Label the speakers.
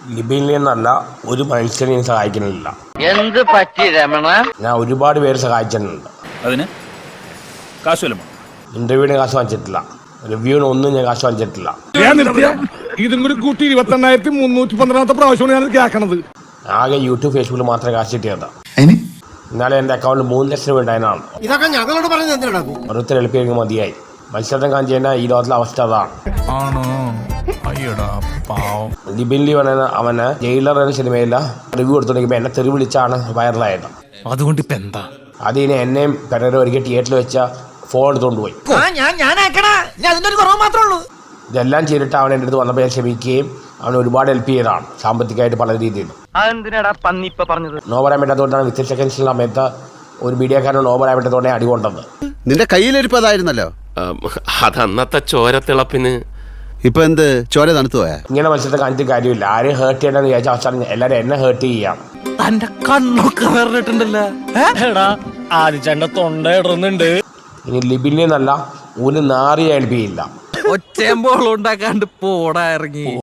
Speaker 1: ലിബിനിൽ നിന്നല്ല ഒരു മനുഷ്യനെയും സഹായിക്കുന്നില്ല.
Speaker 2: എന്ത് പറ്റി രമണ? ഞാൻ
Speaker 1: ഒരുപാട് പേര് സഹായിച്ചിട്ടുണ്ട്.
Speaker 3: അതിന് കാശുവല്ലോ?
Speaker 1: ഇന്റർവ്യൂവിന് കാശ് വാങ്ങിച്ചിട്ടില്ല, റിവ്യൂവിന് ഒന്നും ഞാൻ കാശ് വാങ്ങിച്ചിട്ടില്ല.
Speaker 4: ഇതും കൂടി കൂട്ടി 28,312 പ്രാവശ്യമാണ് ഞാൻ കേൾക്കണത്.
Speaker 1: ആകെ യൂട്യൂബ് ഫേസ്ബുക്കിൽ മാത്രമേ കാശ് കിട്ടിയത്. എന്നാലും എൻ്റെ അക്കൗണ്ടിൽ 3 ലക്ഷം രൂപ ഉണ്ടായതാണ്.
Speaker 5: ഇതൊക്കെ ഞങ്ങളോട് പറയുന്നത്
Speaker 1: ഓരോരുത്തർ എളുപ്പം മതിയായി. മത്സരം കാണിച്ചതിനാൽ ഈ ലോകത്തിലെ അവസ്ഥ അതാണ്. ലിബിൻലി പറയുന്ന അവന് ജയിലർ എന്ന സിനിമയില്ല റിവ്യൂ കൊടുത്തോണ്ടിരിക്കുമ്പോൾ എന്നെ തെറി വിളിച്ചാണ് വൈറലായത്.
Speaker 6: അതുകൊണ്ട് ഇപ്പൊ എന്താ?
Speaker 1: അതിന് എന്നെയും പെരേര ഒരിക്കൽ തിയേറ്ററിൽ വെച്ച ഫോൺ എടുത്തോണ്ട് പോയി. ഇതെല്ലാം ചെയ്തിട്ട് അവൻ എൻ്റെ അടുത്ത് വന്നപ്പോൾ ഞാൻ ക്ഷമിക്കുകയും അവൻ ഒരുപാട് ഹെൽപ്പ് ചെയ്തതാണ് സാമ്പത്തികമായിട്ട് പല രീതിയിൽ. നോ പറയാൻ പറ്റാത്തതുകൊണ്ടാണ് വിത്തിൻ സെക്കൻഡ്സിലുള്ള സമയത്ത് ഒരു മീഡിയക്കാരൻ നോ പറയാൻ പറ്റാത്തതുകൊണ്ടാണ് അടികൊണ്ടത്.
Speaker 7: നിന്റെ കയ്യിലിരിപ്പതായിരുന്നല്ലോ.
Speaker 8: അതന്നത്തെ ചോരത്തിളപ്പിന്
Speaker 7: ഇപ്പൊ എന്ത് ചോര തണുത്തു പോയാ?
Speaker 1: ഇങ്ങനെ മത്സരത്തെ കാണിച്ചിട്ട് കാര്യമില്ല. ആരെയും ഹേർട്ട് ചെയ്യണമെന്ന് വിചാരിച്ച അവസാനം എല്ലാവരും എന്നെ ഹേർട്ട് ചെയ്യാം.
Speaker 6: തന്റെ കണ്ണൊക്കെ വേറിട്ടുണ്ടല്ലോ. ആദ്യ തൊണ്ട ഇടുന്നുണ്ട്.
Speaker 1: ഇനി ലിബിനിൽ നിന്നല്ല ഒരു നാറിയ ഹെൽപ്പ് ചെയ്യില്ല.
Speaker 6: ഒച്ചയുമ്പോൾ ഉണ്ടാക്കാണ്ട് പോടാ ഇറങ്ങി.